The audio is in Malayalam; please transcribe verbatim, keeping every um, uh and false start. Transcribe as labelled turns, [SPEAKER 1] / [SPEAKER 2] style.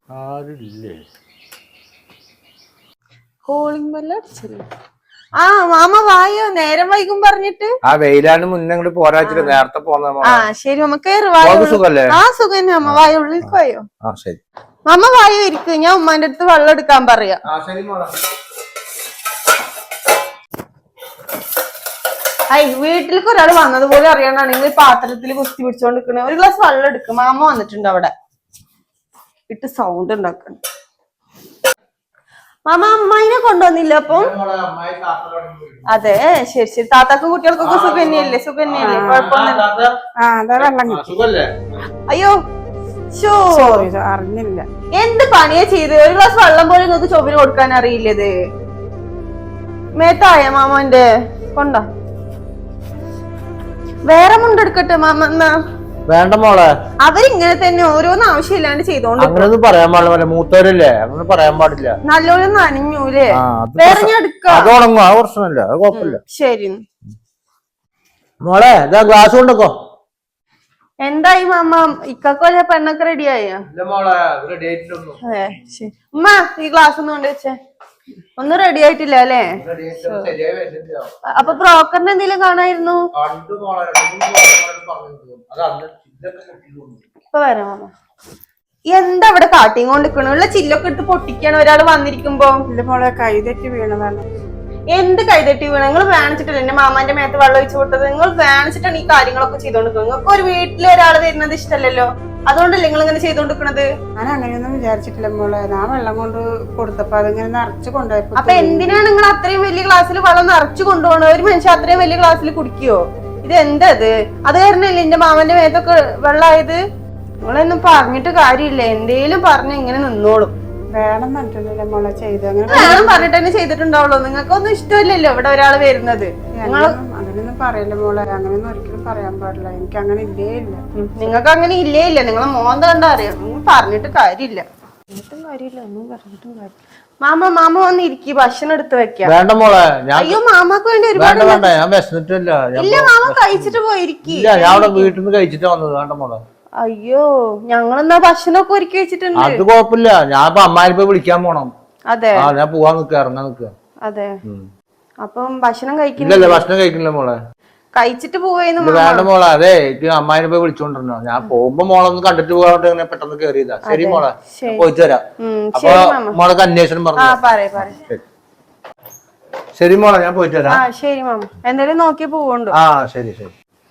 [SPEAKER 1] ആരില്ലേ?
[SPEAKER 2] Calling bell അടിച്ചല്ലോ. ആ മാമ വായോ, നേരം വൈകും പറഞ്ഞിട്ട്.
[SPEAKER 1] ആ വെയിലാണ് മുന്നേ ഇങ്ങോട്ട് പോരാച്ചിട്ട് നേരത്തെ പോന്ന.
[SPEAKER 2] ആ ശരി മാമ കേറി.
[SPEAKER 1] സുഖല്ലേ?
[SPEAKER 2] ആ സുഖം മാമ. വായോ, ഉള്ളിലേക്ക് വായോ.
[SPEAKER 1] ആ ശരി
[SPEAKER 2] മാമ വായോ ഇരിക്കും. ഞാൻ ഉമ്മാന്റെ അടുത്ത് വെള്ളം എടുക്കാൻ പറയാ. ഐ വീട്ടിലേക്ക് ഒരാൾ വന്നതുപോലെ അറിയാണ്ടാണെങ്കിൽ പാത്രത്തിൽ കുത്തി പിടിച്ചോണ്ട് നിൽക്കണേ. ഒരു ഗ്ലാസ് വെള്ളം എടുക്കും. മാമ വന്നിട്ടുണ്ട് അവിടെ ഇട്ട് സൗണ്ട് ഉണ്ടാക്കണം. മാമ അമ്മായിനെ കൊണ്ടുവന്നില്ല അപ്പൊ? അതെ ശരി ശരി. താത്താക്കും കുട്ടികൾക്കൊക്കെ സുഖന്നെയല്ലേ? സുഖന്നെയല്ലേ? കുഴപ്പമൊന്നുമില്ല. അയ്യോ
[SPEAKER 3] അറിഞ്ഞില്ല.
[SPEAKER 2] എന്ത് പണിയാ ചെയ്ത്? ഒരു ഗ്ലാസ് വെള്ളം പോലും നിങ്ങൾക്ക് ചൊവ്വിന് കൊടുക്കാൻ അറിയില്ലത്. മേത്തായ മാമന്റെ കൊണ്ട വേറെ മുണ്ടെടുക്കട്ടെ മാമ. എന്നാ
[SPEAKER 1] വേണ്ട മോളെ,
[SPEAKER 2] അവരിങ്ങനെ തന്നെ ഓരോന്നും ആവശ്യമില്ലാണ്ട് ചെയ്തോണ്ട്.
[SPEAKER 1] അങ്ങനൊന്നും പറയാൻ പാടില്ല, മൂത്തവരല്ലേ, അങ്ങനെ പറയാൻ പാടില്ല.
[SPEAKER 2] നല്ലോണം നനഞ്ഞൂലേ? വേറെ ഞാൻ എടുക്കാം.
[SPEAKER 1] അത് ഉണങ്ങും, ആ പ്രശ്നമില്ല, അത് കുഴപ്പമില്ല.
[SPEAKER 2] ശരി
[SPEAKER 1] മോളെ ഇതാ ഗ്ലാസ് കൊണ്ടോ.
[SPEAKER 2] എന്തായി മാമ? ഇക്കൊല്ല പെണ്ണൊക്കെ റെഡിയായോ? അതെ ശരി. ഉമ്മ ഈ ഗ്ലാസ് ഒന്ന് കൊണ്ട് വെച്ചേ. ഒന്നും റെഡി ആയിട്ടില്ല അല്ലേ? അപ്പൊ ബ്രോക്കറിന്റെ എന്തെങ്കിലും കാണായിരുന്നു? ഇപ്പൊ വരാം മാമ. എന്താ ഇവിടെ കാട്ടിയും കൊണ്ടിരിക്കണ? ഉള്ള ചില്ലൊക്കെ ഇട്ട് പൊട്ടിക്കാണ് ഒരാള് വന്നിരിക്കുമ്പോ.
[SPEAKER 3] മോളെ കൈതെറ്റി വീണതാണ്.
[SPEAKER 2] എന്ത് കൈതെറ്റി വീണ? നിങ്ങൾ വേണിച്ചിട്ടില്ല എന്റെ മാമാന്റെ മേത്ത് വെള്ളം ഒഴിച്ചു വിട്ടത്. നിങ്ങൾ വേണിച്ചിട്ടാണ് ഈ കാര്യങ്ങളൊക്കെ ചെയ്തോണ്ടിരിക്കുന്നത്. നിങ്ങൾക്ക് ഒരു വീട്ടിൽ ഒരാൾ വരുന്നത് ഇഷ്ടമല്ലല്ലോ, അതുകൊണ്ടല്ലേ നിങ്ങൾ ഇങ്ങനെ ചെയ്തോണ്ടിരിക്കണത്?
[SPEAKER 3] ഞാൻ അങ്ങനെയൊന്നും വിചാരിച്ചിട്ടില്ല മോളെ. ഞാൻ വെള്ളം കൊണ്ട് കൊടുത്തപ്പോ അതിങ്ങനെ നിറച്ചു കൊണ്ടുപോയപ്പോ.
[SPEAKER 2] അപ്പൊ എന്തിനാണ് നിങ്ങൾ അത്രയും വലിയ ഗ്ലാസ്സിൽ വെള്ളം നിറച്ചു കൊണ്ടുപോകണത്? ഒരു മനുഷ്യൻ അത്രയും വലിയ ഗ്ലാസ്സിൽ കുടിക്കുവോ? ഇത് എന്താ അത്? അത് കാരണല്ലേ എന്റെ മാമന്റെ മേത്തൊക്കെ വെള്ളമായത്? നിങ്ങളൊന്നും പറഞ്ഞിട്ട് കാര്യമില്ല. എന്തേലും പറഞ്ഞ് ഇങ്ങനെ നിന്നോളും.
[SPEAKER 3] വേണം പറഞ്ഞിട്ടില്ലല്ലോ മോളെ ചെയ്ത്. അങ്ങനെ
[SPEAKER 2] വേണം പറഞ്ഞിട്ട് തന്നെ ചെയ്തിട്ടുണ്ടാവുള്ളൂ. നിങ്ങൾക്കൊന്നും ഇഷ്ടമില്ലല്ലോ ഇവിടെ ഒരാൾ വരുന്നത്.
[SPEAKER 3] അങ്ങനെയൊന്നും പറയല്ലേ മോളെ. അങ്ങനെയൊന്നും ഒരിക്കലും പറയാൻ പാടില്ല. എനിക്ക് അങ്ങനെ ഇല്ലേ ഇല്ല.
[SPEAKER 2] നിങ്ങൾക്ക് അങ്ങനെ ഇല്ലേ ഇല്ല. നിങ്ങളെ മോന്ത കണ്ടാ അറിയാം. നിങ്ങൾ പറഞ്ഞിട്ട് കാര്യമില്ല. പറഞ്ഞിട്ടും കാര്യമില്ല, ഒന്നും പറഞ്ഞിട്ടും കാര്യം. മാമ മാമ വന്ന് ഇരിക്കും, ഭക്ഷണം എടുത്ത് വെക്കാം.
[SPEAKER 1] വേണ്ട മോളെ.
[SPEAKER 2] അയ്യോ മാമാക്ക് വേണ്ടി ഒരുപാട്.
[SPEAKER 1] ഞാൻ വിശന്നിട്ടില്ല.
[SPEAKER 2] ഇല്ല മാമ കഴിച്ചിട്ട് പോയിരിക്കും.
[SPEAKER 1] ഞാൻ അവിടെ വീട്ടിൽ നിന്ന് കഴിച്ചിട്ട് വന്നത്. വേണ്ട മോളെ.
[SPEAKER 2] അയ്യോ ഞങ്ങളെന്നാ ഭക്ഷണമൊക്കെ ഒരുക്കി വെച്ചിട്ടുണ്ട്.
[SPEAKER 1] അത് കുഴപ്പമില്ല. ഞാൻ ഇപ്പൊ അമ്മായിപ്പോ വിളിക്കാൻ പോണം.
[SPEAKER 2] അതെ
[SPEAKER 1] ഞാൻ പോവാൻ നിക്ക, ഇറങ്ങാൻ നിക്ക.
[SPEAKER 2] അതെ അപ്പം ഭക്ഷണം കഴിക്കില്ല?
[SPEAKER 1] ഭക്ഷണം കഴിക്കില്ല മോളെ.
[SPEAKER 2] കഴിച്ചിട്ട് പോവേന്ന്.
[SPEAKER 1] വേണ്ട മോളെ. അതെ എനിക്ക് അമ്മായിനെ പോയി വിളിച്ചോണ്ടിരുന്നോ. ഞാൻ പോകുമ്പോ മോളൊന്ന് കണ്ടിട്ട് പോകാണ്ട് പെട്ടെന്ന് കേറിയതാ. ശരി മോളെ, പോയിട്ട് വരാം. അപ്പൊ മോളൊക്കെ അന്വേഷണം പറഞ്ഞു. ശരി മോളെ, ഞാൻ പോയിട്ട് വരാം.
[SPEAKER 2] ശരി മാമ. എന്തായാലും നോക്കി പോവുണ്ടോ?
[SPEAKER 1] ആ ശരി ശരി.